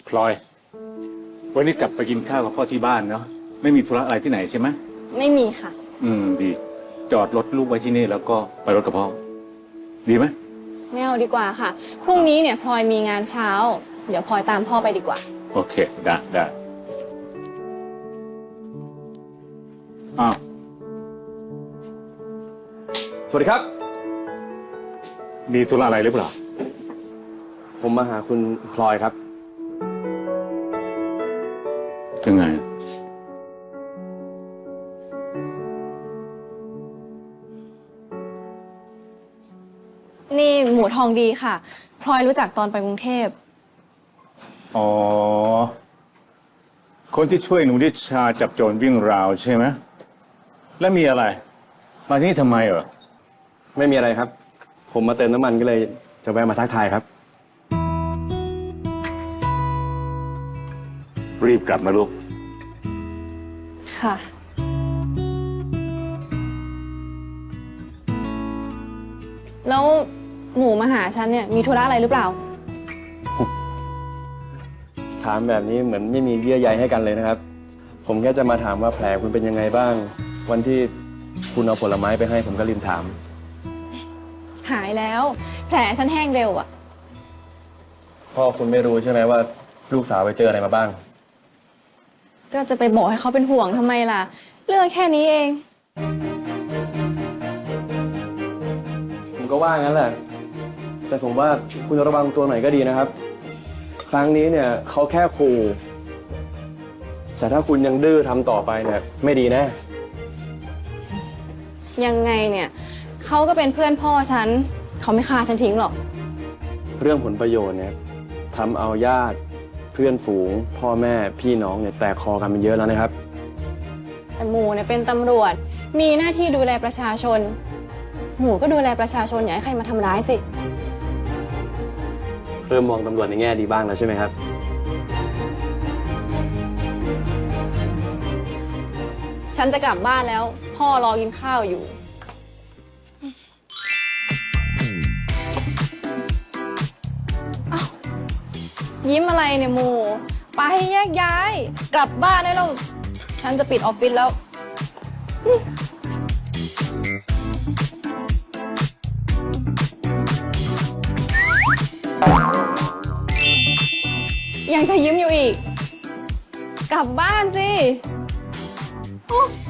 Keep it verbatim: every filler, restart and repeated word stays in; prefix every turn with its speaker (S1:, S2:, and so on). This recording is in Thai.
S1: พลอยวันนี้กลับไปกินข้าวกับพ่อที่บ้านเนาะไม่มีธุระอะไรที่ไหนใช่ไหม
S2: ไม่มีค่ะ
S1: อืมดีจอดรถลูกไว้ที่นี่แล้วก็ไปรถกับพ่อดีไหม
S2: ไม่เอาดีกว่าค่ะพรุ่งนี้เนี่ยพลอยมีงานเช้าเดี๋ยวพลอยตามพ่อไปดีกว่า
S1: โอเคได้ได้อ้าว
S3: สวัสดีครับ
S1: มีธุระอะไรหรือเปล่า
S3: ผมมาหาคุณพลอยครับ
S1: ยังไง
S2: นี่หมูทองดีค่ะพลอยรู้จักตอนไปกรุงเทพ
S1: อ๋อคนที่ช่วยหนูนิชาจับโจรวิ่งราวใช่ไหมแล้วมีอะไรมาที่นี่ทำไมเหรอ
S3: ไม่มีอะไรครับผมมาเติมน้ำมันก็เลยจะแวะมาทักทายครับ
S1: รีบกลับมาลูก
S2: ค่ะแล้วหมูมาหาฉันเนี่ยมีธุระอะไรหรือเปล่า
S3: ถามแบบนี้เหมือนไม่มีเยื่อใยให้กันเลยนะครับผมแค่จะมาถามว่าแผลคุณเป็นยังไงบ้างวันที่คุณเอาผลไม้ไปให้ผมก็ลืมถาม
S2: หายแล้วแผลฉันแห้งเร็วอ่ะ
S3: พ่อคุณไม่รู้ใช่ไหมว่าลูกสาวไปเจออะไรมาบ้าง
S2: ก็จะไปบอกให้เขาเป็นห่วงทำไมล่ะเรื่องแค่นี้เอง
S3: ผมก็ว่างั้นแหละแต่ผมว่าคุณระวังตัวหน่อยก็ดีนะครับครั้งนี้เนี่ยเขาแค่ขู่แต่ถ้าคุณยังดื้อทำต่อไปเนี่ยไม่ดีแน่
S2: ยังไงเนี่ยเขาก็เป็นเพื่อนพ่อฉันเขาไม่ฆ่าฉันทิ้งหรอก
S3: เรื่องผลประโยชน์เนี่ยทำเอาญาติเพื่อนฝูงพ่อแม่พี่น้องเนี่ยแตกคอกันเป็นเยอะแล้วนะครับ
S2: แต่หมูเนี่ยเป็นตำรวจมีหน้าที่ดูแลประชาชนหมูก็ดูแลประชาชนอย่าให้ใครมาทำร้ายสิ
S3: เริ่มมองตำรวจในแง่ดีบ้างแล้วใช่ไหมครับ
S2: ฉันจะกลับบ้านแล้วพ่อรอกินข้าวอยู่ยิ้มอะไรเนี่ยหมูไปแยกย้ายกลับบ้านได้แล้วฉันจะปิดออฟฟิศแล้วยังจะยิ้มอยู่อีกกลับบ้านสิโอ้